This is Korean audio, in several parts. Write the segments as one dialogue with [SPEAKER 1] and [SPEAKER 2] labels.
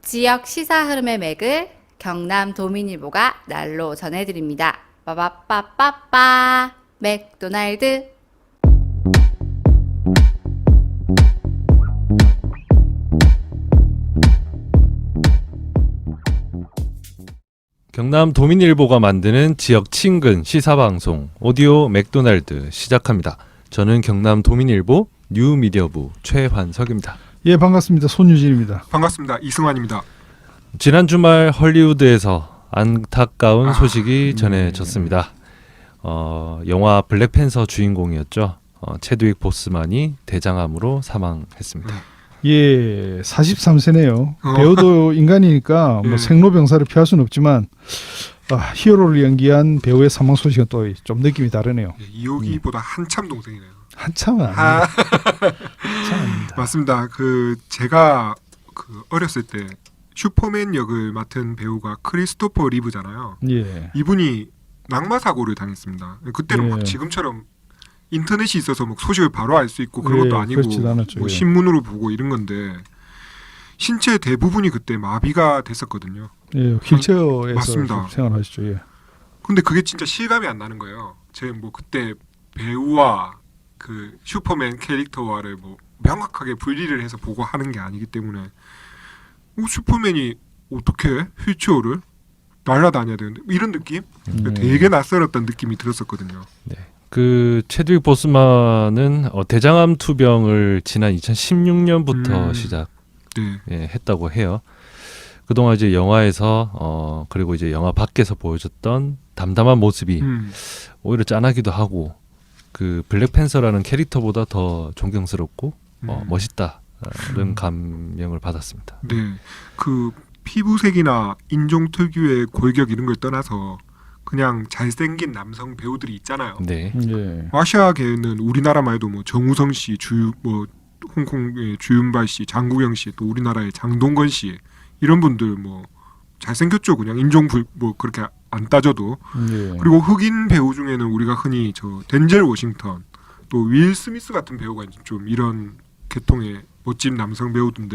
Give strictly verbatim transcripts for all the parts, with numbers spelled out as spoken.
[SPEAKER 1] 지역 시사 흐름의 맥을 경남 도민일보가 날로 전해드립니다. 빠바빠빠빠 맥도날드.
[SPEAKER 2] 경남 도민일보가 만드는 지역 친근 시사방송 오디오 맥도날드 시작합니다. 저는 경남 도민일보 뉴미디어부 최환석입니다.
[SPEAKER 3] 예, 반갑습니다. 손유진입니다.
[SPEAKER 4] 반갑습니다. 이승환입니다.
[SPEAKER 2] 지난 주말 헐리우드에서 안타까운
[SPEAKER 4] 아,
[SPEAKER 2] 소식이 전해졌습니다. 어, 영화 블랙팬서 주인공이었죠. 어, 체드윅 보스만이 대장암으로 사망했습니다.
[SPEAKER 3] 예, 사십삼 세네요.
[SPEAKER 4] 어.
[SPEAKER 3] 배우도 인간이니까 뭐
[SPEAKER 4] 예.
[SPEAKER 3] 생로병사를 피할 수는 없지만 아, 히어로를 연기한 배우의 사망 소식은 또 좀 느낌이 다르네요.
[SPEAKER 4] 예, 이호기보다 한참 동생이네요.
[SPEAKER 3] 한참은 아니에요.
[SPEAKER 4] 아,
[SPEAKER 3] 한참 아닙니다.
[SPEAKER 4] 맞습니다. 그 제가 그 어렸을 때 슈퍼맨 역을 맡은 배우가 크리스토퍼 리브잖아요.
[SPEAKER 3] 예.
[SPEAKER 4] 이분이 낙마 사고를 당했습니다. 그때는
[SPEAKER 3] 예.
[SPEAKER 4] 막 지금처럼 인터넷이 있어서 뭐 소식을 바로 알 수 있고 그런
[SPEAKER 3] 예,
[SPEAKER 4] 것도 아니고
[SPEAKER 3] 그렇지도 않았죠.
[SPEAKER 4] 뭐
[SPEAKER 3] 예.
[SPEAKER 4] 신문으로 보고 이런 건데 신체 대부분이 그때 마비가 됐었거든요.
[SPEAKER 3] 예, 휠체어에서
[SPEAKER 4] 맞습니다.
[SPEAKER 3] 생활하시죠. 예.
[SPEAKER 4] 근데 그게 진짜 실감이 안 나는 거예요. 제가 뭐 그때 배우와 그 슈퍼맨 캐릭터와를 뭐 명확하게 분리를 해서 보고 하는 게 아니기 때문에 어, 슈퍼맨이 어떻게 휠체어를 날아다녀야 되는데 이런 느낌?
[SPEAKER 3] 음.
[SPEAKER 4] 되게 낯설었던 느낌이 들었었거든요.
[SPEAKER 2] 그 체드윅 보스만은 어, 대장암 투병을 지난 이천십육 년부터
[SPEAKER 4] 음.
[SPEAKER 2] 시작
[SPEAKER 4] 네.
[SPEAKER 2] 예, 했다고 해요. 그동안 이제 영화에서 어, 그리고 이제 영화 밖에서 보여줬던 담담한 모습이
[SPEAKER 4] 음.
[SPEAKER 2] 오히려 짠하기도 하고 그 블랙팬서라는 캐릭터보다 더 존경스럽고 어,
[SPEAKER 4] 음.
[SPEAKER 2] 멋있다는 감명을 받았습니다.
[SPEAKER 4] 네. 그 피부색이나 인종 특유의 골격 이런 걸 떠나서 그냥 잘생긴 남성 배우들이 있잖아요.
[SPEAKER 2] 네.
[SPEAKER 3] 예.
[SPEAKER 4] 아시아계는 우리나라만 해도 뭐 정우성 씨, 주 뭐 홍콩의 주윤발 씨, 장국영 씨, 또 우리나라의 장동건 씨 이런 분들 뭐 잘생겼죠. 그냥 인종 불 뭐 그렇게 안 따져도.
[SPEAKER 3] 예.
[SPEAKER 4] 그리고 흑인 배우 중에는 우리가 흔히 저 덴젤 워싱턴, 또 윌 스미스 같은 배우가 좀 이런 계통의 멋진 남성 배우인데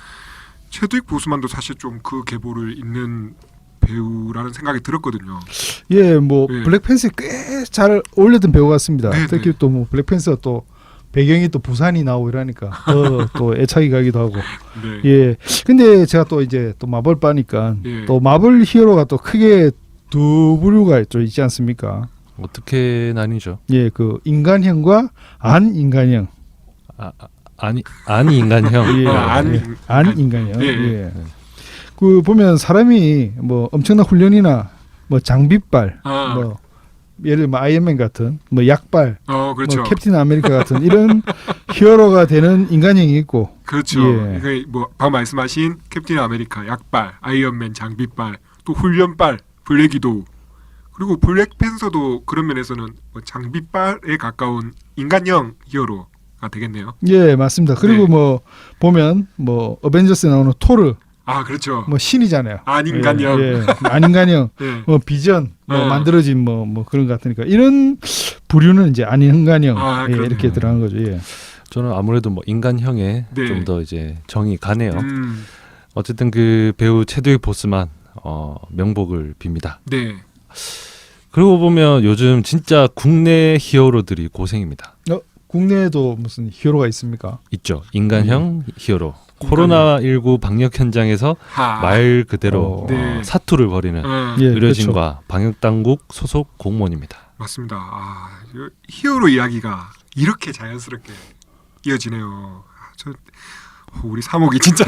[SPEAKER 4] 체드윅 보스만도 사실 좀 그 계보를 잇는 배우라는 생각이 들었거든요.
[SPEAKER 3] 예, 뭐
[SPEAKER 4] 예.
[SPEAKER 3] 블랙팬서에 꽤 잘 어울렸던 배우 같습니다.
[SPEAKER 4] 네,
[SPEAKER 3] 특히
[SPEAKER 4] 네.
[SPEAKER 3] 또 뭐 블랙팬서 또 배경이 또 부산이 나오고 이러니까 더 또 애착이 가기도 하고.
[SPEAKER 4] 네.
[SPEAKER 3] 예. 근데 제가 또 이제 또 마블 빠니까
[SPEAKER 4] 예.
[SPEAKER 3] 또 마블 히어로가 또 크게 두 부류가 또 있지 않습니까?
[SPEAKER 2] 어떻게 나뉘죠?
[SPEAKER 3] 예, 그 인간형과 안 인간형.
[SPEAKER 2] 아, 아, 아니 아니 인간형.
[SPEAKER 3] 예,
[SPEAKER 4] 어, 안
[SPEAKER 3] 예.
[SPEAKER 4] 인-
[SPEAKER 3] 안 인간형.
[SPEAKER 4] 예,
[SPEAKER 3] 예.
[SPEAKER 4] 예.
[SPEAKER 3] 그 보면 사람이 뭐 엄청난 훈련이나 뭐 장비빨,
[SPEAKER 4] 아,
[SPEAKER 3] 뭐 예를 들면 아이언맨 같은 뭐 약발,
[SPEAKER 4] 어 그렇죠.
[SPEAKER 3] 뭐 캡틴 아메리카 같은 이런 히어로가 되는 인간형이 있고.
[SPEAKER 4] 그렇죠.
[SPEAKER 3] 예.
[SPEAKER 4] 이게 뭐 방금 말씀하신 캡틴 아메리카 약발, 아이언맨 장비발, 또 훈련발, 블랙 위도우. 그리고 블랙팬서도 그런 면에서는 뭐 장비발에 가까운 인간형 히어로가 되겠네요.
[SPEAKER 3] 예, 맞습니다. 그리고
[SPEAKER 4] 네.
[SPEAKER 3] 뭐 보면 뭐 어벤져스에 나오는 토르
[SPEAKER 4] 아 그렇죠.
[SPEAKER 3] 뭐 신이잖아요.
[SPEAKER 4] 안 인간형.
[SPEAKER 3] 예, 예. 안 인간형.
[SPEAKER 4] 예.
[SPEAKER 3] 뭐 비전 뭐
[SPEAKER 4] 어.
[SPEAKER 3] 만들어진 뭐 뭐 그런 것 같으니까 이런 부류는 이제 안 인간형
[SPEAKER 4] 아,
[SPEAKER 3] 예,
[SPEAKER 4] 그러네요.
[SPEAKER 3] 이렇게 들어간 거죠. 예.
[SPEAKER 2] 저는 아무래도 뭐 인간형에
[SPEAKER 4] 네.
[SPEAKER 2] 좀 더 이제 정이 가네요.
[SPEAKER 4] 음,
[SPEAKER 2] 어쨌든 그 배우 체드윅 보스만 어, 명복을 빕니다.
[SPEAKER 4] 네.
[SPEAKER 2] 그러고 보면 요즘 진짜 국내 히어로들이 고생입니다.
[SPEAKER 3] 어, 국내에도 무슨 히어로가 있습니까?
[SPEAKER 2] 있죠. 인간형 히어로.
[SPEAKER 4] 인간형.
[SPEAKER 2] 코로나십구 방역 현장에서
[SPEAKER 4] 하.
[SPEAKER 2] 말 그대로
[SPEAKER 3] 어.
[SPEAKER 4] 네.
[SPEAKER 2] 어, 사투를 벌이는
[SPEAKER 4] 어,
[SPEAKER 3] 예,
[SPEAKER 2] 의료진과 방역 당국 소속 공무원입니다.
[SPEAKER 4] 맞습니다. 아, 이 히어로 이야기가 이렇게 자연스럽게 이어지네요. 아, 저 어, 우리 사목이 진짜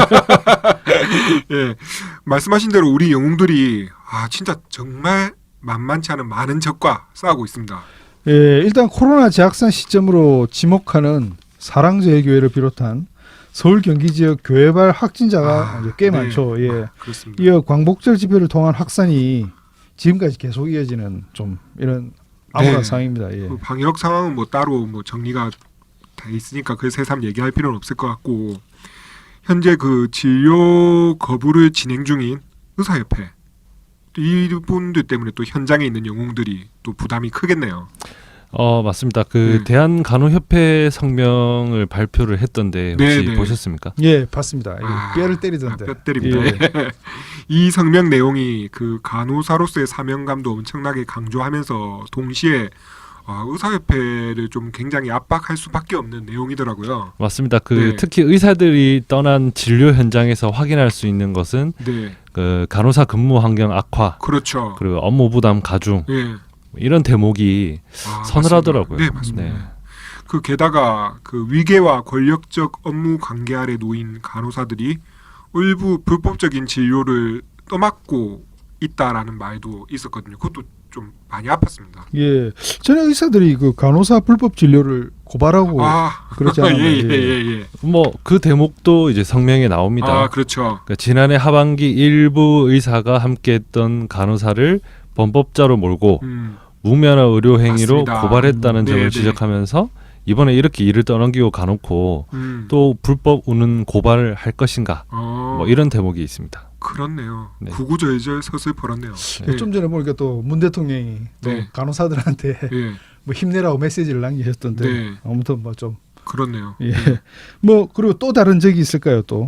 [SPEAKER 4] 예 말씀하신 대로 우리 영웅들이 아 진짜 정말 만만치 않은 많은 적과 싸우고 있습니다.
[SPEAKER 3] 예, 일단 코로나 재확산 시점으로 지목하는 사랑제일 교회를 비롯한 서울 경기 지역 교회발 확진자가
[SPEAKER 4] 아,
[SPEAKER 3] 이제 꽤
[SPEAKER 4] 네.
[SPEAKER 3] 많죠. 예.
[SPEAKER 4] 아, 그렇습니다.
[SPEAKER 3] 이어 광복절 집회를 통한 확산이 지금까지 계속 이어지는 좀 이런 암울한
[SPEAKER 4] 네.
[SPEAKER 3] 상황입니다. 예.
[SPEAKER 4] 그 방역 상황은 뭐 따로 뭐 정리가 돼 있으니까 그 새삼 얘기할 필요는 없을 것 같고 현재 그 진료 거부를 진행 중인 의사협회 이분들 때문에 또 현장에 있는 영웅들이 또 부담이 크겠네요.
[SPEAKER 2] 어 맞습니다. 그
[SPEAKER 4] 네.
[SPEAKER 2] 대한간호협회 성명을 발표를 했던데 혹시
[SPEAKER 4] 네, 네.
[SPEAKER 2] 보셨습니까?
[SPEAKER 3] 예, 봤습니다. 예,
[SPEAKER 4] 아,
[SPEAKER 3] 뼈를 때리던데.
[SPEAKER 4] 아, 뼈 때립니다.
[SPEAKER 3] 예.
[SPEAKER 4] 이 성명 내용이 그 간호사로서의 사명감도 엄청나게 강조하면서 동시에 아, 의사협회를 좀 굉장히 압박할 수밖에 없는 내용이더라고요.
[SPEAKER 2] 맞습니다. 그
[SPEAKER 4] 네.
[SPEAKER 2] 특히 의사들이 떠난 진료 현장에서 확인할 수 있는 것은
[SPEAKER 4] 네,
[SPEAKER 2] 그 간호사 근무 환경 악화
[SPEAKER 4] 그렇죠.
[SPEAKER 2] 그리고 업무 부담 가중
[SPEAKER 4] 예,
[SPEAKER 2] 이런 대목이
[SPEAKER 4] 아,
[SPEAKER 2] 서늘하더라고요.
[SPEAKER 4] 맞습니다. 네, 맞습니다.
[SPEAKER 2] 네.
[SPEAKER 4] 그 게다가 그 위계와 권력적 업무 관계 아래 놓인 간호사들이 일부 불법적인 진료를 떠맡고 있다라는 말도 있었거든요. 그것도 좀 많이 아팠습니다.
[SPEAKER 3] 예, 전에 의사들이 그 간호사 불법 진료를 고발하고
[SPEAKER 4] 아,
[SPEAKER 3] 그렇지 않나요?
[SPEAKER 4] 예, 예, 예, 예.
[SPEAKER 2] 뭐 그 대목도 이제 성명에 나옵니다.
[SPEAKER 4] 아, 그렇죠.
[SPEAKER 2] 그러니까 지난해 하반기 일부 의사가 함께했던 간호사를 범법자로 몰고
[SPEAKER 4] 음,
[SPEAKER 2] 무면허 의료 행위로
[SPEAKER 4] 맞습니다.
[SPEAKER 2] 고발했다는
[SPEAKER 4] 음,
[SPEAKER 2] 점을
[SPEAKER 4] 네, 네.
[SPEAKER 2] 지적하면서 이번에 이렇게 일을 떠넘기고 가놓고
[SPEAKER 4] 음.
[SPEAKER 2] 또 불법 운운 고발을 할 것인가
[SPEAKER 4] 어,
[SPEAKER 2] 뭐 이런 대목이 있습니다.
[SPEAKER 4] 그렇네요.
[SPEAKER 2] 네.
[SPEAKER 4] 구구절절 서슬퍼렇네요.
[SPEAKER 3] 예, 좀 전에 보니까 또 문 대통령이 또
[SPEAKER 4] 네.
[SPEAKER 3] 간호사들한테
[SPEAKER 4] 예,
[SPEAKER 3] 뭐 힘내라고 메시지를 남기셨던데
[SPEAKER 4] 네.
[SPEAKER 3] 아무튼 뭐 좀
[SPEAKER 4] 그렇네요.
[SPEAKER 3] 예. 뭐 그리고 또 다른 적이 있을까요 또?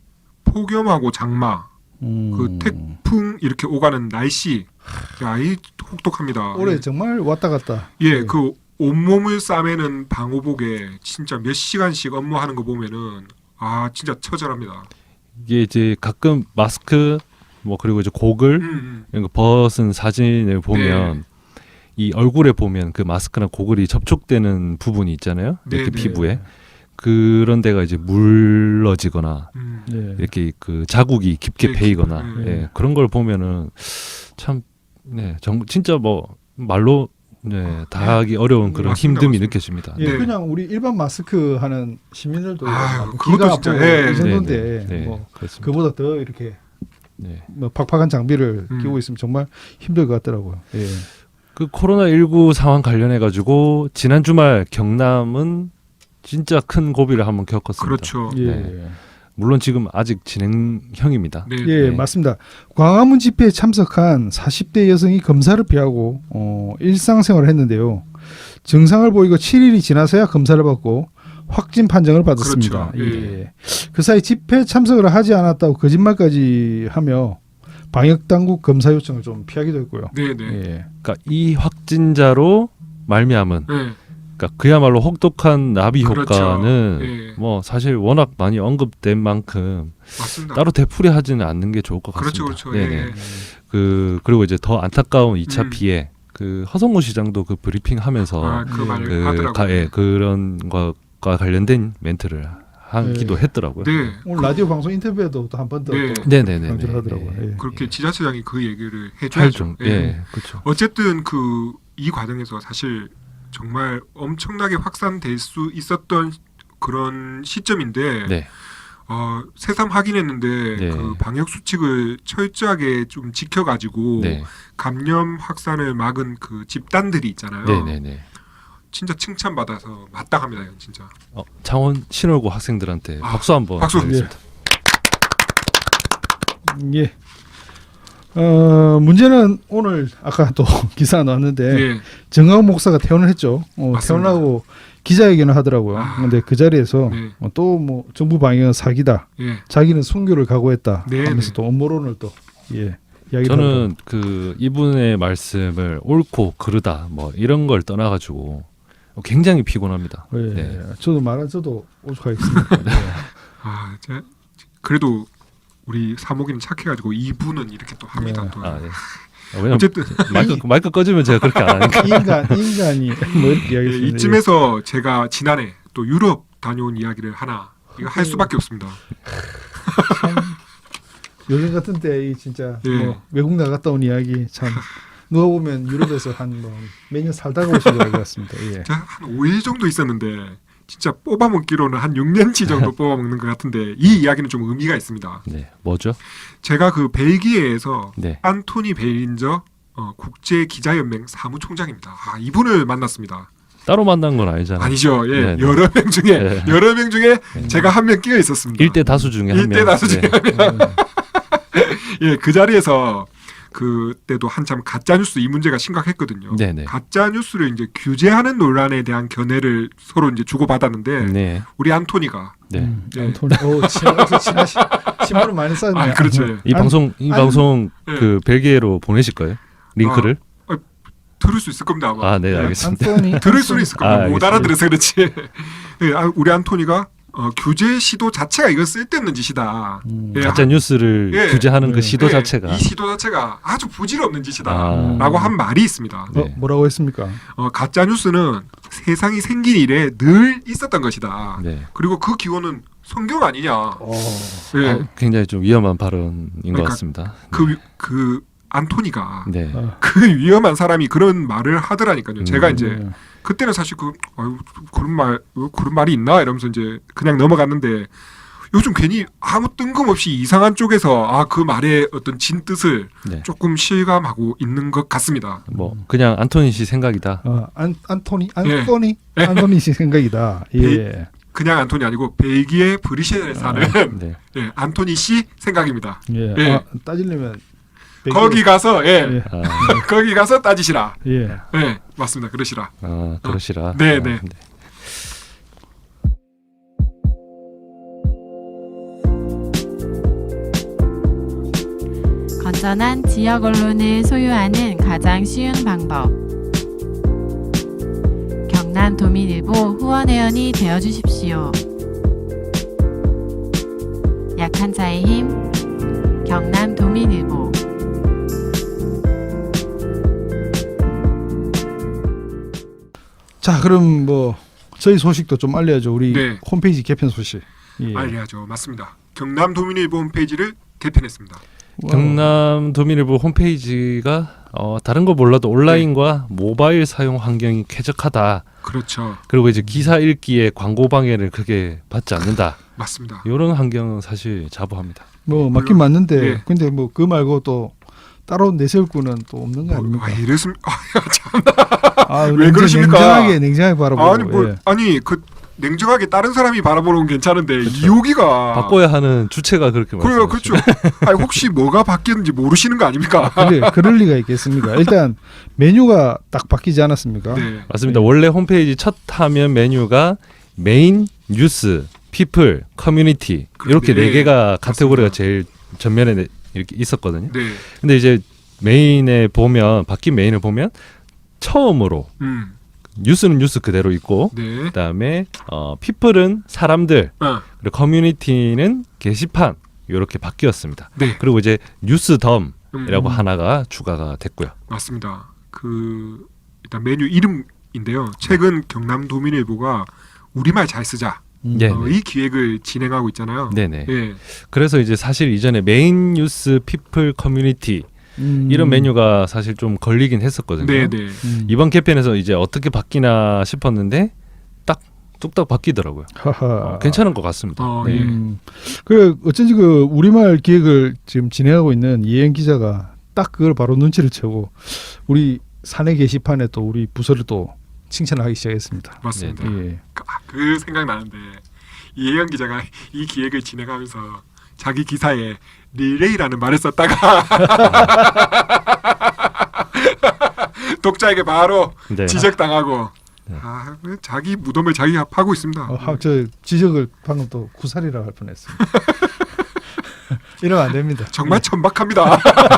[SPEAKER 4] 폭염하고 장마,
[SPEAKER 3] 음,
[SPEAKER 4] 그 태풍 이렇게 오가는 날씨, 야, 이 혹독합니다.
[SPEAKER 3] 올해
[SPEAKER 4] 예.
[SPEAKER 3] 정말 왔다 갔다.
[SPEAKER 4] 예, 그 온몸을 싸매는 방호복에 진짜 몇 시간씩 업무하는 거 보면은 아 진짜 처절합니다.
[SPEAKER 2] 이게 이제 가끔 마스크 뭐 그리고 이제 고글
[SPEAKER 4] 음, 음.
[SPEAKER 2] 이런 거 벗은 사진을 보면
[SPEAKER 4] 네.
[SPEAKER 2] 이 얼굴에 보면 그 마스크나 고글이 접촉되는 부분이 있잖아요. 이렇게
[SPEAKER 4] 네, 네.
[SPEAKER 2] 피부에 그런 데가 이제 물러지거나
[SPEAKER 4] 음.
[SPEAKER 3] 예.
[SPEAKER 2] 이렇게 그 자국이 깊게
[SPEAKER 4] 네,
[SPEAKER 2] 배이거나
[SPEAKER 4] 네.
[SPEAKER 2] 예, 그런 걸 보면은 참 네, 정, 진짜 뭐 말로 네, 다 하기 어려운 그런
[SPEAKER 4] 맞습니다,
[SPEAKER 2] 힘듦이
[SPEAKER 4] 맞습니다.
[SPEAKER 2] 느껴집니다.
[SPEAKER 3] 예,
[SPEAKER 4] 네.
[SPEAKER 3] 그냥 우리 일반 마스크 하는 시민들도
[SPEAKER 4] 아유,
[SPEAKER 3] 막
[SPEAKER 4] 그것도
[SPEAKER 3] 기가
[SPEAKER 4] 진짜,
[SPEAKER 3] 아프고
[SPEAKER 4] 예,
[SPEAKER 3] 이 정도인데
[SPEAKER 2] 네, 네,
[SPEAKER 3] 뭐
[SPEAKER 2] 그렇습니다.
[SPEAKER 3] 그보다 더 이렇게
[SPEAKER 2] 네.
[SPEAKER 3] 뭐 팍팍한 장비를
[SPEAKER 4] 음.
[SPEAKER 3] 끼고 있으면 정말 힘들 것 같더라고요. 예.
[SPEAKER 2] 그 코로나십구 상황 관련해 가지고 지난 주말 경남은 진짜 큰 고비를 한번 겪었습니다.
[SPEAKER 4] 그렇죠.
[SPEAKER 3] 예.
[SPEAKER 2] 네. 물론 지금 아직 진행형입니다.
[SPEAKER 4] 네.
[SPEAKER 3] 예,
[SPEAKER 2] 네.
[SPEAKER 3] 맞습니다. 광화문 집회에 참석한 사십 대 여성이 검사를 피하고 어, 일상생활을 했는데요. 증상을 보이고 칠 일이 지나서야 검사를 받고 확진 판정을 받았습니다.
[SPEAKER 4] 그렇죠.
[SPEAKER 3] 예. 그 사이 집회 참석을 하지 않았다고 거짓말까지 하며 방역 당국 검사 요청을 좀 피하기도 했고요.
[SPEAKER 4] 네, 네.
[SPEAKER 3] 예.
[SPEAKER 2] 그러니까 이 확진자로 말미암은
[SPEAKER 4] 네.
[SPEAKER 2] 그러니까 그야말로 혹독한 나비
[SPEAKER 4] 그렇죠.
[SPEAKER 2] 효과는
[SPEAKER 4] 예.
[SPEAKER 2] 뭐 사실 워낙 많이 언급된 만큼
[SPEAKER 4] 맞습니다.
[SPEAKER 2] 따로 되풀이하지는 않는 게 좋을 것
[SPEAKER 4] 그렇죠,
[SPEAKER 2] 같습니다.
[SPEAKER 4] 그렇죠.
[SPEAKER 2] 네네.
[SPEAKER 4] 예.
[SPEAKER 2] 그 그리고 이제 더 안타까운 이 차
[SPEAKER 4] 음.
[SPEAKER 2] 피해 그 허성무 시장도 그 브리핑하면서
[SPEAKER 4] 아, 그
[SPEAKER 3] 예.
[SPEAKER 4] 말을
[SPEAKER 2] 그
[SPEAKER 4] 하더라고요.
[SPEAKER 2] 가, 예, 그런 것과 관련된 멘트를 하기도
[SPEAKER 3] 네.
[SPEAKER 2] 했더라고요.
[SPEAKER 4] 네.
[SPEAKER 3] 오늘 라디오 방송 인터뷰에도 또 한 번 더
[SPEAKER 4] 네.
[SPEAKER 2] 네네네.
[SPEAKER 3] 강조를 하더라고요. 예.
[SPEAKER 4] 그렇게 지자체장이 그 얘기를 해줘야죠.
[SPEAKER 2] 할좀
[SPEAKER 4] 예.
[SPEAKER 2] 예, 그렇죠.
[SPEAKER 4] 어쨌든 그 이 과정에서 사실 정말 엄청나게 확산될 수 있었던 그런 시점인데
[SPEAKER 2] 네.
[SPEAKER 4] 어, 새삼 확인했는데
[SPEAKER 2] 네.
[SPEAKER 4] 그 방역 수칙을 철저하게 좀 지켜가지고
[SPEAKER 2] 네.
[SPEAKER 4] 감염 확산을 막은 그 집단들이 있잖아요.
[SPEAKER 2] 네네네.
[SPEAKER 4] 진짜 칭찬받아서 마땅합니다, 이건 진짜.
[SPEAKER 2] 어, 창원 신월고 학생들한테
[SPEAKER 4] 아,
[SPEAKER 2] 박수 한번
[SPEAKER 4] 박수.
[SPEAKER 2] 드리겠습니다.
[SPEAKER 3] 예. 어, 문제는 오늘 아까 또 기사 나왔는데
[SPEAKER 4] 예.
[SPEAKER 3] 정하우 목사가 퇴원을 했죠. 어,
[SPEAKER 4] 맞습니다.
[SPEAKER 3] 퇴원하고 기자회견을 하더라고요.
[SPEAKER 4] 아.
[SPEAKER 3] 근데 그 자리에서
[SPEAKER 4] 네.
[SPEAKER 3] 어, 또 뭐 정부 방역은 사기다.
[SPEAKER 4] 예.
[SPEAKER 3] 자기는 순교를 각오했다.
[SPEAKER 4] 네,
[SPEAKER 3] 하면서
[SPEAKER 4] 네.
[SPEAKER 3] 또 음모론을 또 예. 이야기를
[SPEAKER 2] 저는 그 이분의 말씀을 옳고 그르다 뭐 이런 걸 떠나가지고 굉장히 피곤합니다.
[SPEAKER 3] 하더라고요. 예.
[SPEAKER 2] 네.
[SPEAKER 3] 저도 말안 써도 오죽하겠습니까. 네.
[SPEAKER 4] 아, 제, 그래도 우리 사목이는 착해가지고 이분은 이렇게 또 합니다.
[SPEAKER 3] 네.
[SPEAKER 4] 또.
[SPEAKER 2] 아, 네. 아, 왜냐면
[SPEAKER 4] 어쨌든
[SPEAKER 2] 마이크 마이크 꺼지면 제가 그렇게 안 하니까.
[SPEAKER 3] 인간 인간이 뭐 이렇게
[SPEAKER 4] 예,
[SPEAKER 3] 이야기했습니다.
[SPEAKER 4] 이쯤에서 제가 지난해 또 유럽 다녀온 이야기를 하나 이거 할 수밖에 없습니다.
[SPEAKER 3] 참 요즘 같은 때 이 진짜
[SPEAKER 4] 예.
[SPEAKER 3] 뭐 외국 나갔다 온 이야기 참 누가 보면 유럽에서 한 뭐 몇 년 살다가 오신 것 같습니다. 예.
[SPEAKER 4] 제가 한 오 일 정도 있었는데 진짜 뽑아먹기로는 한 육 년치 정도 뽑아먹는 것 같은데 이 이야기는 좀 의미가 있습니다.
[SPEAKER 2] 네, 뭐죠?
[SPEAKER 4] 제가 그 벨기에에서
[SPEAKER 2] 네.
[SPEAKER 4] 안토니 베일린저 어, 국제 기자연맹 사무총장입니다. 아, 이분을 만났습니다.
[SPEAKER 2] 따로 만난 건 아니잖아요.
[SPEAKER 4] 아니죠. 예,
[SPEAKER 2] 네, 네.
[SPEAKER 4] 여러 명 중에
[SPEAKER 2] 네.
[SPEAKER 4] 여러 명 중에
[SPEAKER 2] 네.
[SPEAKER 4] 제가 한 명 끼어 있었습니다.
[SPEAKER 2] 일대 다수 중에 한 명.
[SPEAKER 4] 일대 다수 중에
[SPEAKER 2] 네.
[SPEAKER 3] 음.
[SPEAKER 4] 예, 그 자리에서 그때도 한참 가짜 뉴스 이 문제가 심각했거든요.
[SPEAKER 2] 네네.
[SPEAKER 4] 가짜 뉴스를 이제 규제하는 논란에 대한 견해를 서로 이제 주고 받았는데
[SPEAKER 2] 네.
[SPEAKER 4] 우리 안토니가
[SPEAKER 2] 네.
[SPEAKER 3] 음,
[SPEAKER 4] 네.
[SPEAKER 3] 안토니. 오, 친하시, 친하시, 친분을 많이 쌓았네.
[SPEAKER 4] 아, 그렇죠.
[SPEAKER 2] 이
[SPEAKER 3] 안-
[SPEAKER 2] 방송 이
[SPEAKER 3] 안-
[SPEAKER 2] 방송
[SPEAKER 4] 네.
[SPEAKER 2] 그 벨기에로 보내실 거예요? 링크를?
[SPEAKER 4] 들을 수 있을 겁니다. 아마.
[SPEAKER 2] 아, 네, 알겠습니다.
[SPEAKER 3] 안토니.
[SPEAKER 4] 들을 수는 있을 겁니다.
[SPEAKER 2] 아,
[SPEAKER 4] 못
[SPEAKER 2] 알겠습니다.
[SPEAKER 4] 알아들어서 그렇지. 네, 아, 우리 안토니가 어, 규제 시도 자체가 이건 쓸데없는 짓이다.
[SPEAKER 3] 음.
[SPEAKER 4] 예,
[SPEAKER 2] 가짜 뉴스를
[SPEAKER 4] 예.
[SPEAKER 2] 규제하는
[SPEAKER 3] 네.
[SPEAKER 2] 그 시도
[SPEAKER 4] 네,
[SPEAKER 2] 자체가
[SPEAKER 4] 이 시도 자체가 아주 부질없는 짓이다.
[SPEAKER 2] 아.
[SPEAKER 4] 라고 한 말이 있습니다.
[SPEAKER 3] 어,
[SPEAKER 2] 네.
[SPEAKER 3] 뭐라고 했습니까?
[SPEAKER 4] 어, 가짜 뉴스는 세상이 생긴 이래 늘 있었던 것이다.
[SPEAKER 2] 네.
[SPEAKER 4] 그리고 그 기원은 성경 아니냐.
[SPEAKER 3] 어.
[SPEAKER 4] 예.
[SPEAKER 2] 아, 굉장히 좀 위험한 발언인 것
[SPEAKER 4] 그러니까
[SPEAKER 2] 같습니다.
[SPEAKER 4] 그, 위- 그 안토니가
[SPEAKER 2] 네.
[SPEAKER 3] 어.
[SPEAKER 4] 그 위험한 사람이 그런 말을 하더라니까요. 제가
[SPEAKER 2] 음.
[SPEAKER 4] 이제
[SPEAKER 3] 네.
[SPEAKER 4] 그때는 사실 그 아유, 그런 말 어, 그런 말이 있나 이러면서 이제 그냥 넘어갔는데 요즘 괜히 아무 뜬금없이 이상한 쪽에서 아 그 말의 어떤 진 뜻을
[SPEAKER 2] 네.
[SPEAKER 4] 조금 실감하고 있는 것 같습니다.
[SPEAKER 2] 뭐 그냥 안토니 씨 생각이다.
[SPEAKER 3] 어, 안 안토니
[SPEAKER 4] 예.
[SPEAKER 3] 안토니 안토니 씨 생각이다. 예.
[SPEAKER 4] 그냥 안토니 아니고 벨기에 브뤼셀에 사는
[SPEAKER 2] 네.
[SPEAKER 4] 예, 안토니 씨 생각입니다.
[SPEAKER 3] 예.
[SPEAKER 4] 예.
[SPEAKER 3] 아, 따지려면 벨기에-
[SPEAKER 4] 거기 가서 예,
[SPEAKER 3] 예.
[SPEAKER 2] 아,
[SPEAKER 4] 거기 가서 따지시라.
[SPEAKER 3] 예.
[SPEAKER 4] 예, 맞습니다. 그러시라.
[SPEAKER 2] 아 그러시라.
[SPEAKER 4] 네,
[SPEAKER 2] 아,
[SPEAKER 4] 네.
[SPEAKER 5] 건전한 지역 언론을 소유하는 가장 쉬운 방법. 경남 도민일보 후원회원이 되어 주십시오. 약한 자의 힘, 경남 도민일보.
[SPEAKER 3] 자, 그럼 뭐 저희 소식도 좀 알려야죠. 우리
[SPEAKER 4] 네.
[SPEAKER 3] 홈페이지 개편 소식. 예.
[SPEAKER 4] 알려야죠. 맞습니다. 경남 도민일보 홈페이지를 개편했습니다.
[SPEAKER 3] 와우.
[SPEAKER 2] 경남 도민일보 홈페이지가 어, 다른 거 몰라도 온라인과 모바일 사용 환경이 쾌적하다.
[SPEAKER 4] 그렇죠.
[SPEAKER 2] 그리고 이제 기사 읽기에 광고 방해를 크게 받지 않는다.
[SPEAKER 4] 맞습니다.
[SPEAKER 2] 이런 환경은 사실 자부합니다.
[SPEAKER 3] 뭐 맞긴 맞는데
[SPEAKER 4] 예.
[SPEAKER 3] 근데 뭐 그 말고 또 따로 내세울 거는 또 없는 거 아닙니까?
[SPEAKER 4] 왜 이랬습? 아, 참.
[SPEAKER 3] 아,
[SPEAKER 4] 왜
[SPEAKER 3] 냉정-
[SPEAKER 4] 그러십니까?
[SPEAKER 3] 냉정하게 냉정하게 바라보고.
[SPEAKER 4] 아니 뭐
[SPEAKER 3] 예.
[SPEAKER 4] 아니 그 냉정하게 다른 사람이 바라보는 건 괜찮은데 이 여기가
[SPEAKER 2] 바꿔야 하는 주체가 그렇게
[SPEAKER 4] 그래요,
[SPEAKER 2] 말씀하시죠.
[SPEAKER 4] 그렇죠. 아니 혹시 뭐가 바뀌었는지 모르시는 거 아닙니까?
[SPEAKER 3] 그래, 그럴 리가 있겠습니까? 일단 메뉴가 딱 바뀌지 않았습니까?
[SPEAKER 4] 네,
[SPEAKER 2] 맞습니다. 원래 홈페이지 첫 화면 메뉴가 메인, 뉴스, 피플, 커뮤니티 이렇게
[SPEAKER 4] 네,
[SPEAKER 2] 네 개가 카테고리가
[SPEAKER 4] 맞습니다.
[SPEAKER 2] 제일 전면에 네- 이렇게 있었거든요.
[SPEAKER 4] 네,
[SPEAKER 2] 근데 이제 메인에 보면 바뀐 메인을 보면 처음으로
[SPEAKER 4] 음,
[SPEAKER 2] 뉴스는 뉴스 그대로 있고
[SPEAKER 4] 네,
[SPEAKER 2] 그다음에 어, 피플은 사람들
[SPEAKER 4] 어,
[SPEAKER 2] 그리고 커뮤니티는 게시판 이렇게 바뀌었습니다.
[SPEAKER 4] 네,
[SPEAKER 2] 그리고 이제 뉴스덤이라고
[SPEAKER 4] 음,
[SPEAKER 2] 하나가 추가가 됐고요.
[SPEAKER 4] 맞습니다. 그 일단 메뉴 이름인데요. 최근 경남 도민일보가 우리말 잘 쓰자
[SPEAKER 3] 음.
[SPEAKER 2] 네.
[SPEAKER 4] 어, 이 기획을 진행하고 있잖아요.
[SPEAKER 2] 네네.
[SPEAKER 4] 예,
[SPEAKER 2] 그래서 이제 사실 이전에 메인 뉴스 피플 커뮤니티
[SPEAKER 3] 음.
[SPEAKER 2] 이런 메뉴가 사실 좀 걸리긴 했었거든요.
[SPEAKER 4] 네, 네.
[SPEAKER 3] 음.
[SPEAKER 2] 이번 개편에서 이제 어떻게 바뀌나 싶었는데 딱 뚝딱 바뀌더라고요.
[SPEAKER 3] 하하.
[SPEAKER 2] 어, 괜찮은 것 같습니다.
[SPEAKER 4] 어,
[SPEAKER 2] 네.
[SPEAKER 4] 예.
[SPEAKER 3] 음. 그 어쩐지 그 우리말 기획을 지금 진행하고 있는 이혜영 기자가 딱 그걸 바로 눈치를 채고 우리 사내 게시판에 또 우리 부서를 또 칭찬하기 시작했습니다.
[SPEAKER 4] 맞습니다.
[SPEAKER 3] 예.
[SPEAKER 4] 그, 아, 그 생각 나는데 이혜영 기자가 이 기획을 진행하면서 자기 기사에 릴레이라는 말을 썼다가 독자에게 바로
[SPEAKER 2] 네.
[SPEAKER 4] 지적당하고
[SPEAKER 2] 네.
[SPEAKER 4] 아, 왜 자기 무덤을 자기가 파고 있습니다.
[SPEAKER 3] 어, 하- 저 지적을 방금 또 구살이라고 할 뻔했습니다. 이러면 안 됩니다.
[SPEAKER 4] 정말 천박합니다.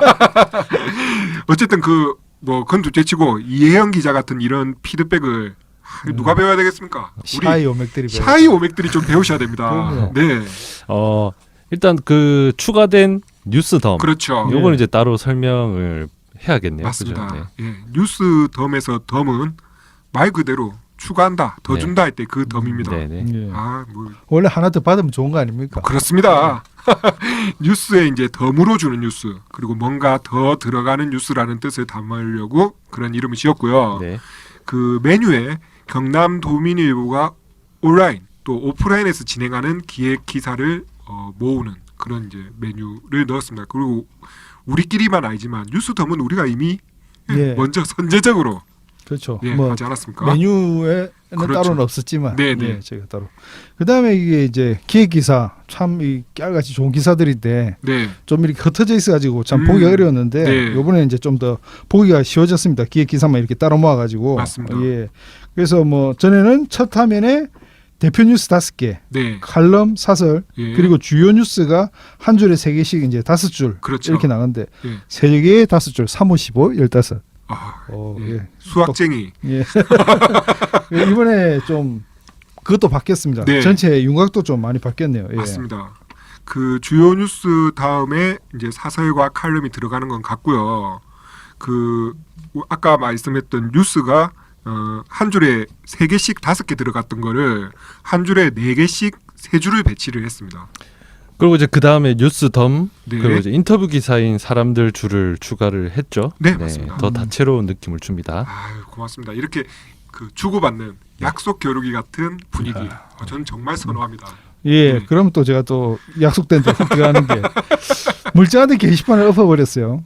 [SPEAKER 4] 어쨌든 그 뭐 그건 둘째치고 이혜영 기자 같은 이런 피드백을 아, 누가 배워야 되겠습니까? 우리
[SPEAKER 3] 샤이 오맥들이
[SPEAKER 4] 샤이 오맥들이 좀 배우셔야 됩니다.
[SPEAKER 3] 그럼요.
[SPEAKER 4] 네,
[SPEAKER 2] 어 일단 그 추가된 뉴스덤
[SPEAKER 4] 그렇죠.
[SPEAKER 3] 예.
[SPEAKER 2] 요건 이제 따로 설명을 해야겠네요.
[SPEAKER 4] 맞습니다.
[SPEAKER 2] 그죠? 네.
[SPEAKER 4] 예, 뉴스 덤에서 덤은 말 그대로 추가한다, 더
[SPEAKER 2] 네.
[SPEAKER 4] 준다 할 때 그 덤입니다.
[SPEAKER 2] 네네.
[SPEAKER 3] 예.
[SPEAKER 4] 아, 뭐
[SPEAKER 3] 원래 하나 더 받으면 좋은 거 아닙니까?
[SPEAKER 4] 그렇습니다. 뉴스에 이제 덤으로 주는 뉴스 그리고 뭔가 더 들어가는 뉴스라는 뜻을 담으려고 그런 이름을 지었고요.
[SPEAKER 2] 네.
[SPEAKER 4] 그 메뉴에 경남 도민일보가 온라인 또 오프라인에서 진행하는 기획 기사를 어, 모으는 그런 이제 메뉴를 넣었습니다. 그리고 우리끼리만 알지만 뉴스덤은 우리가 이미
[SPEAKER 3] 예.
[SPEAKER 4] 먼저 선제적으로
[SPEAKER 3] 그렇죠.
[SPEAKER 4] 예,
[SPEAKER 3] 뭐
[SPEAKER 4] 하지 않았습니까?
[SPEAKER 3] 메뉴에는
[SPEAKER 4] 그렇죠.
[SPEAKER 3] 따로는 없었지만
[SPEAKER 4] 네, 네.
[SPEAKER 3] 예, 저희가 따로. 그다음에 이게 이제 기획 기사 참 이 깨알같이 좋은 기사들인데
[SPEAKER 4] 네,
[SPEAKER 3] 좀 이렇게 흩어져 있어가지고 참
[SPEAKER 4] 음,
[SPEAKER 3] 보기가 어려웠는데
[SPEAKER 4] 네.
[SPEAKER 3] 요번에 이제 좀 더 보기가 쉬워졌습니다. 기획 기사만 이렇게 따로 모아가지고.
[SPEAKER 4] 맞습니다.
[SPEAKER 3] 예. 그래서 뭐 전에는 첫 화면에 대표 뉴스 다섯 개,
[SPEAKER 4] 네,
[SPEAKER 3] 칼럼, 사설
[SPEAKER 4] 예.
[SPEAKER 3] 그리고 주요 뉴스가 한 줄에 세 개씩 이제 다섯 줄
[SPEAKER 4] 그렇죠.
[SPEAKER 3] 이렇게 나가는데
[SPEAKER 4] 예.
[SPEAKER 3] 세 개에 다섯 줄, 삼, 오, 십오, 열다섯.
[SPEAKER 4] 아,
[SPEAKER 3] 어,
[SPEAKER 4] 예.
[SPEAKER 3] 예.
[SPEAKER 4] 수학쟁이.
[SPEAKER 3] 예. 이번에 좀 그것도 바뀌었습니다.
[SPEAKER 4] 네.
[SPEAKER 3] 전체 윤곽도 좀 많이 바뀌었네요. 예.
[SPEAKER 4] 맞습니다. 그 주요 뉴스 다음에 이제 사설과 칼럼이 들어가는 건 같고요. 그 아까 말씀했던 뉴스가 어, 한 줄에 세 개씩 다섯 개 들어갔던 거를 한 줄에 네 개씩 세 줄을 배치를 했습니다.
[SPEAKER 2] 그리고 이제 그 다음에 뉴스덤
[SPEAKER 4] 네.
[SPEAKER 2] 그리고 이제 인터뷰 기사인 사람들 줄을 추가를 했죠.
[SPEAKER 4] 네, 맞습니다.
[SPEAKER 2] 더 다채로운 느낌을 줍니다.
[SPEAKER 4] 아유, 고맙습니다. 이렇게 그 주고받는 약속 겨루기 같은 분위기. 어, 저는 정말 선호합니다.
[SPEAKER 3] 예,
[SPEAKER 4] 네.
[SPEAKER 3] 그럼 또 제가 또 약속된 데 들어가는 게 물장한테 게시판을 엎어버렸어요.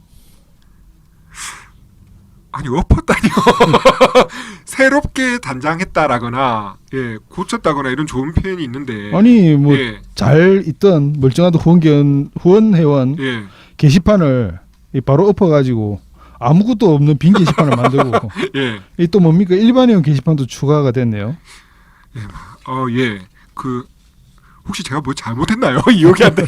[SPEAKER 4] 아니 엎었다니요. 새롭게 단장했다라거나 예 고쳤다거나 이런 좋은 표현이 있는데
[SPEAKER 3] 아니 뭐
[SPEAKER 4] 예,
[SPEAKER 3] 잘 있던 멀쩡하던 후원 후원 회원
[SPEAKER 4] 예,
[SPEAKER 3] 게시판을 이 바로 엎어가지고 아무것도 없는 빈 게시판을 만들고
[SPEAKER 4] 예,
[SPEAKER 3] 이 또 뭡니까 일반 회원 게시판도 추가가 됐네요.
[SPEAKER 4] 어, 예, 그 혹시 제가 뭐 잘못했나요? 기억이 안 돼.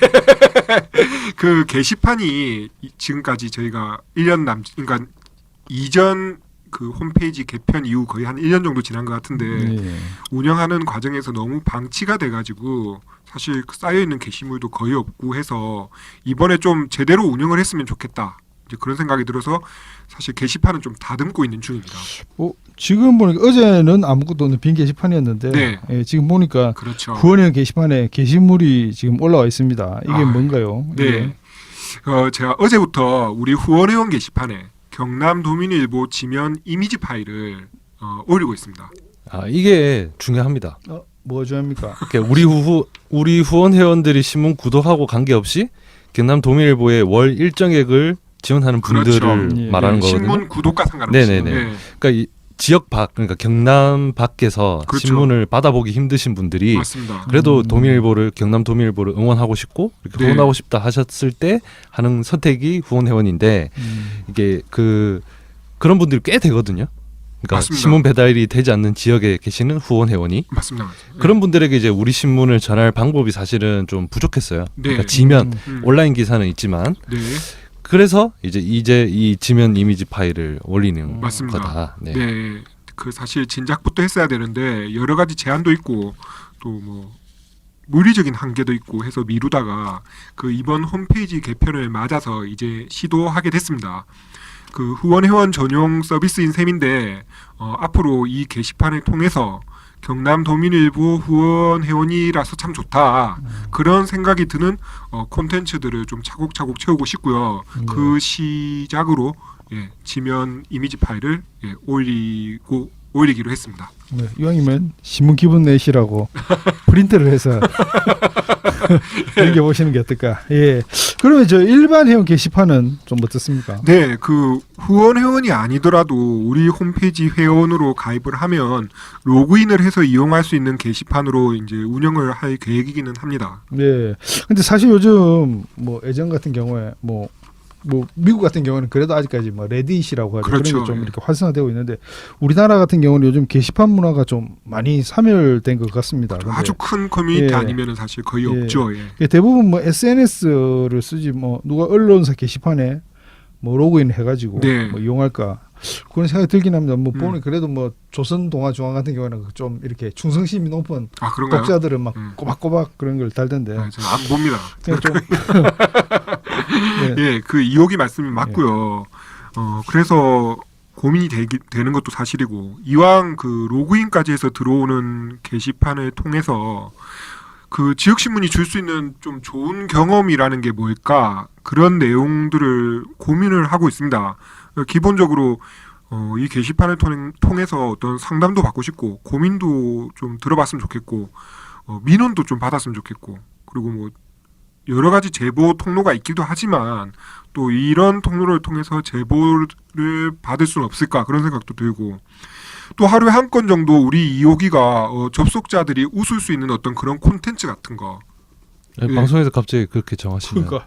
[SPEAKER 4] 그 게시판이 이- 지금까지 저희가 일 년 남, 그러니까 이전 그 홈페이지 개편 이후 거의 한 일 년 정도 지난 것 같은데
[SPEAKER 3] 예.
[SPEAKER 4] 운영하는 과정에서 너무 방치가 돼가지고 사실 그 쌓여있는 게시물도 거의 없고 해서 이번에 좀 제대로 운영을 했으면 좋겠다. 이제 그런 생각이 들어서 사실 게시판은 좀 다듬고 있는 중입니다.
[SPEAKER 3] 어, 지금 보니까 어제는 아무것도 없는 빈 게시판이었는데
[SPEAKER 4] 네.
[SPEAKER 3] 예, 지금 보니까
[SPEAKER 4] 그렇죠.
[SPEAKER 3] 후원회원 게시판에 게시물이 지금 올라와 있습니다. 이게
[SPEAKER 4] 아,
[SPEAKER 3] 뭔가요?
[SPEAKER 4] 네.
[SPEAKER 3] 이게?
[SPEAKER 4] 어, 제가 어제부터 우리 후원회원 게시판에 경남 도민일보 지면 이미지 파일을 어, 올리고 있습니다.
[SPEAKER 2] 아 이게 중요합니다.
[SPEAKER 3] 어, 뭐 중요합니까?
[SPEAKER 2] 그러니까 우리 후 우리 후원 회원들이 신문 구독하고 관계없이 경남 도민일보의 월 일정액을 지원하는 분들을
[SPEAKER 4] 그렇죠.
[SPEAKER 3] 예.
[SPEAKER 2] 말하는
[SPEAKER 4] 네,
[SPEAKER 2] 거거든요.
[SPEAKER 4] 신문 구독과 상관없이.
[SPEAKER 2] 네네네.
[SPEAKER 4] 네,
[SPEAKER 2] 그러니까 이 지역 밖 그러니까 경남 밖에서
[SPEAKER 4] 그렇죠.
[SPEAKER 2] 신문을 받아보기 힘드신 분들이
[SPEAKER 4] 맞습니다.
[SPEAKER 2] 그래도
[SPEAKER 3] 음.
[SPEAKER 2] 도민일보를 경남 도민일보를 응원하고 싶고 이렇게
[SPEAKER 4] 네.
[SPEAKER 2] 후원하고 싶다 하셨을 때 하는 선택이 후원 회원인데
[SPEAKER 3] 음.
[SPEAKER 2] 이게 그 그런 분들이 꽤 되거든요. 그러니까
[SPEAKER 4] 맞습니다.
[SPEAKER 2] 신문 배달이 되지 않는 지역에 계시는 후원 회원이
[SPEAKER 4] 맞습니다. 맞습니다.
[SPEAKER 2] 그런 분들에게 이제 우리 신문을 전할 방법이 사실은 좀 부족했어요.
[SPEAKER 4] 네.
[SPEAKER 2] 그러니까 지면
[SPEAKER 3] 음.
[SPEAKER 4] 음.
[SPEAKER 2] 온라인 기사는 있지만
[SPEAKER 4] 네,
[SPEAKER 2] 그래서 이제 이제 이 지면 이미지 파일을 올리는
[SPEAKER 4] 맞습니다.
[SPEAKER 2] 거다. 네.
[SPEAKER 4] 네, 그 사실 진작부터 했어야 되는데 여러 가지 제한도 있고 또 뭐 물리적인 한계도 있고 해서 미루다가 그 이번 홈페이지 개편을 맞아서 이제 시도하게 됐습니다. 그 후원 회원 전용 서비스인 셈인데 어, 앞으로 이 게시판을 통해서 경남 도민일보 후원 회원이라서 참 좋다 그런 생각이 드는 어, 콘텐츠들을 좀 차곡차곡 채우고 싶고요.
[SPEAKER 3] 네.
[SPEAKER 4] 그 시작으로 예, 지면 이미지 파일을 예, 올리고 올리기로 했습니다.
[SPEAKER 3] 네, 이왕이면 신문 기분 내시라고 프린트를 해서 넘겨 보시는 게 어떨까? 예. 그러면 저 일반 회원 게시판은 좀 어떻습니까?
[SPEAKER 4] 네, 그 후원 회원이 아니더라도 우리 홈페이지 회원으로 가입을 하면 로그인을 해서 이용할 수 있는 게시판으로 이제 운영을 할 계획이기는 합니다.
[SPEAKER 3] 네. 근데 사실 요즘 뭐 예전 같은 경우에 뭐 뭐 미국 같은 경우는 그래도 아직까지 뭐 레딧이라고 하죠.
[SPEAKER 4] 그렇죠.
[SPEAKER 3] 그런 게 좀
[SPEAKER 4] 예.
[SPEAKER 3] 이렇게 활성화되고 있는데 우리나라 같은 경우는 요즘 게시판 문화가 좀 많이 사멸된 것 같습니다. 근데
[SPEAKER 4] 아주 큰 커뮤니티
[SPEAKER 3] 예.
[SPEAKER 4] 아니면은 사실 거의
[SPEAKER 3] 예.
[SPEAKER 4] 없죠. 예.
[SPEAKER 3] 대부분 뭐 에스엔에스를 쓰지 뭐 누가 언론사 게시판에 뭐 로그인 해가지고
[SPEAKER 4] 네.
[SPEAKER 3] 뭐 이용할까 그런 생각이 들긴 합니다. 뭐
[SPEAKER 4] 음.
[SPEAKER 3] 보니 그래도 뭐 조선 동아 중앙 같은 경우는 좀 이렇게 충성심이 높은
[SPEAKER 4] 아 그런가요?
[SPEAKER 3] 독자들은 막
[SPEAKER 4] 음.
[SPEAKER 3] 꼬박꼬박 그런 걸 달던데
[SPEAKER 4] 아, 저는 안 봅니다.
[SPEAKER 3] 그냥 좀 네.
[SPEAKER 4] 예, 그 이호기 말씀이 맞고요. 어, 그래서 고민이 되기, 되는 것도 사실이고 이왕 그 로그인까지 해서 들어오는 게시판을 통해서 그 지역 신문이 줄 수 있는 좀 좋은 경험이라는 게 뭘까 그런 내용들을 고민을 하고 있습니다. 기본적으로 어, 이 게시판을 통, 통해서 어떤 상담도 받고 싶고 고민도 좀 들어봤으면 좋겠고 어, 민원도 좀 받았으면 좋겠고 그리고 뭐 여러 가지 제보 통로가 있기도 하지만 또 이런 통로를 통해서 제보를 받을 수는 없을까 그런 생각도 들고 또 하루에 한 건 정도 우리 이호기가 어, 접속자들이 웃을 수 있는 어떤 그런 콘텐츠 같은 거
[SPEAKER 2] 아니,
[SPEAKER 4] 예.
[SPEAKER 2] 방송에서 갑자기 그렇게 정하시면
[SPEAKER 3] 그러니까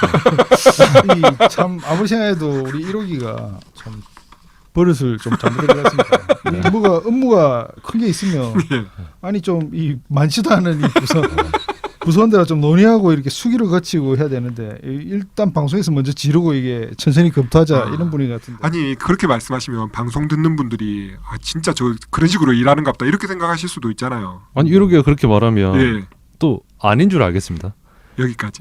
[SPEAKER 3] 이 참 아무리 생각해도 우리 일호기가 참 버릇을 좀 잘못한 것 같습니다.
[SPEAKER 2] 네.
[SPEAKER 3] 이 뭐가 업무가 큰 게 있으면
[SPEAKER 4] 예.
[SPEAKER 3] 아니 좀 이 많지도 않은 이 부서 부서원들과 좀 논의하고 이렇게 수기를 거치고 해야 되는데 이- 일단 방송에서 먼저 지르고 이게 천천히 검토하자
[SPEAKER 4] 아.
[SPEAKER 3] 이런 분위기 같은데.
[SPEAKER 4] 아니 그렇게 말씀하시면 방송 듣는 분들이 아 진짜 저 그런 식으로 일하는갑다 이렇게 생각하실 수도 있잖아요.
[SPEAKER 2] 아니 이러기가 그렇게 말하면
[SPEAKER 4] 예.
[SPEAKER 2] 또 아닌 줄 알겠습니다.
[SPEAKER 4] 여기까지.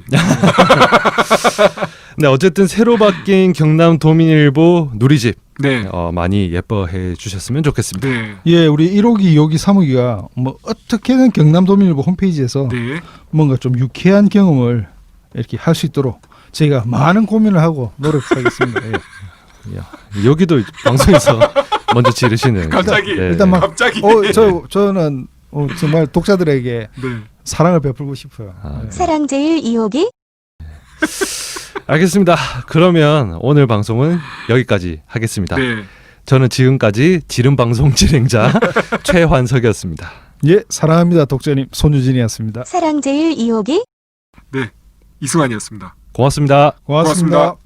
[SPEAKER 2] 네, 어쨌든 새로 바뀐 경남 도민일보 누리집
[SPEAKER 4] 네.
[SPEAKER 2] 어, 많이 예뻐해 주셨으면 좋겠습니다.
[SPEAKER 4] 네.
[SPEAKER 3] 예, 우리 일호기, 이호기, 삼호기가 뭐 어떻게든 경남도민일보 홈페이지에서
[SPEAKER 4] 네.
[SPEAKER 3] 뭔가 좀 유쾌한 경험을 이렇게 할 수 있도록 저희가 많은 고민을 하고 노력하겠습니다. 예.
[SPEAKER 2] 야, 여기도 방송에서 먼저 지르시는.
[SPEAKER 4] 갑자기
[SPEAKER 2] 네,
[SPEAKER 3] 일단
[SPEAKER 2] 네.
[SPEAKER 3] 막
[SPEAKER 4] 갑자기.
[SPEAKER 3] 어, 저 저는 어, 정말 독자들에게
[SPEAKER 4] 네.
[SPEAKER 3] 사랑을 베풀고 싶어요.
[SPEAKER 2] 아,
[SPEAKER 3] 예.
[SPEAKER 6] 사랑제일 이호기
[SPEAKER 2] 알겠습니다. 그러면 오늘 방송은 여기까지 하겠습니다.
[SPEAKER 4] 네.
[SPEAKER 2] 저는 지금까지 지름 방송 진행자 최환석이었습니다.
[SPEAKER 3] 예, 사랑합니다, 독자님 손유진이었습니다.
[SPEAKER 6] 사랑제일 이호기
[SPEAKER 4] 이승환이었습니다.
[SPEAKER 2] 고맙습니다.
[SPEAKER 3] 고맙습니다.
[SPEAKER 4] 고맙습니다.